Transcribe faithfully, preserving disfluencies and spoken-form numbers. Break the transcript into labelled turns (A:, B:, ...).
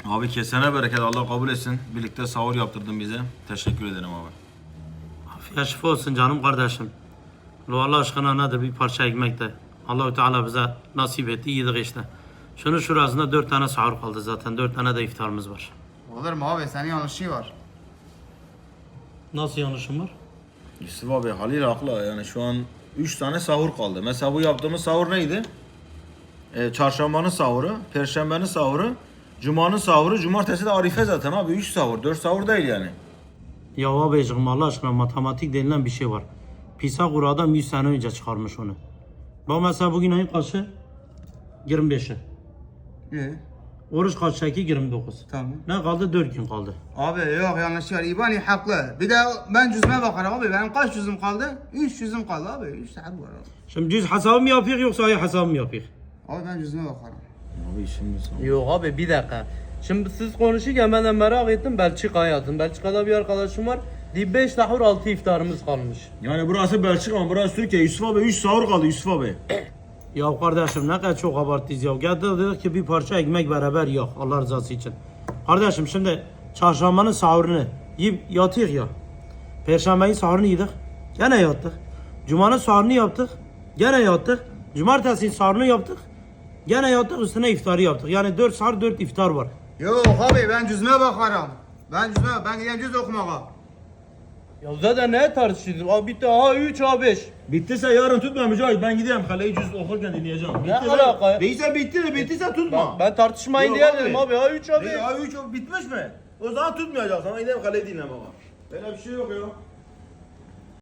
A: Abi kesene bereket, Allah kabul etsin. Birlikte sahur yaptırdın bize. Teşekkür ederim abi.
B: Afiyet şifa olsun canım kardeşim. Lo Allah aşkına nedir bir parça ekmek de. Allahu Teala bize nasip etti, yedik işte. Şunun şurasında dört tane sahur kaldı zaten. Dört tane de iftarımız var.
C: Olur mu abi? Senin yanlışın var.
B: Nasıl yanlışım var?
A: Yusuf abi Halil haklı, yani şu an üç tane sahur kaldı. Mesela bu yaptığımız sahur neydi? Ee, çarşambanın sahuru, perşembenin sahuru, cumanın sahuru, cumartesi de arife zaten abi. üç sahur, dört sahur değil yani.
B: Ya abicim Allah aşkına matematik denilen bir şey var. Pisagor adam yüz sene önce çıkarmış onu. Bak mesela bugün ayın kaçı? yirmi beşi.
C: İyi.
B: Oruç kaç çeki? yirmi dokuz.
C: Tamam.
B: Ne kaldı? dört gün kaldı.
C: Abi yok yanlış var. İbani haklı. Bir de ben cüzme bakarım abi. Benim kaç cüzüm kaldı? üç cüzüm kaldı abi. üç saat var abi.
B: Şimdi cüz hesabı mı yapıyor yoksa ayı hesabı mı yapıyor?
C: Abi ben cüzme bakarım.
A: Abi şimdi sahur.
D: Yok abi bir dakika. Şimdi siz konuşurken ben de merak ettim Belçika'ya yattım. Belçika'da bir arkadaşım var. beş sahur altı iftarımız kalmış.
A: Yani burası Belçika ama burası Türkiye. Yusuf abi üç sahur kaldı Yusuf abi.
B: Ya kardeşim ne kadar çok abarttınız ya. Geldi dedik ki bir parça ekmek beraber yok Allah rızası için. Kardeşim şimdi çarşambanın sahurunu yiyip yatıyor ya. Perşembenin sahurunu yedik. Gene yattık. Cuma'nın sahurunu yaptık. Gene yattık. Cumartesinin sahurunu yaptık. Gene yattık, üstüne iftarı yaptık. Yani dört sahur dört iftar var.
C: Yok abi ben cüzme bakarım. Ben cüzme ben gideceğim cüz okumaya.
D: Ya zaten ne tartışıyorsun? Abi bitti A üç A beş.
A: Bittiyse yarın tutma Mücahit. Ben gideyim kaleyi cüz okurken dinleyeceğim.
D: Ne
A: Bitti
D: alaka ya?
A: Değilse bitti de bittiyse tutma.
D: Ben tartışmayın
A: Yok
D: diye
A: abi.
D: dedim abi A üç A beş.
A: Abi üç bitmiş mi? O zaman tutmayacak. Sana gideyim kaleyi dinlemeye. Böyle bir şey yok ya.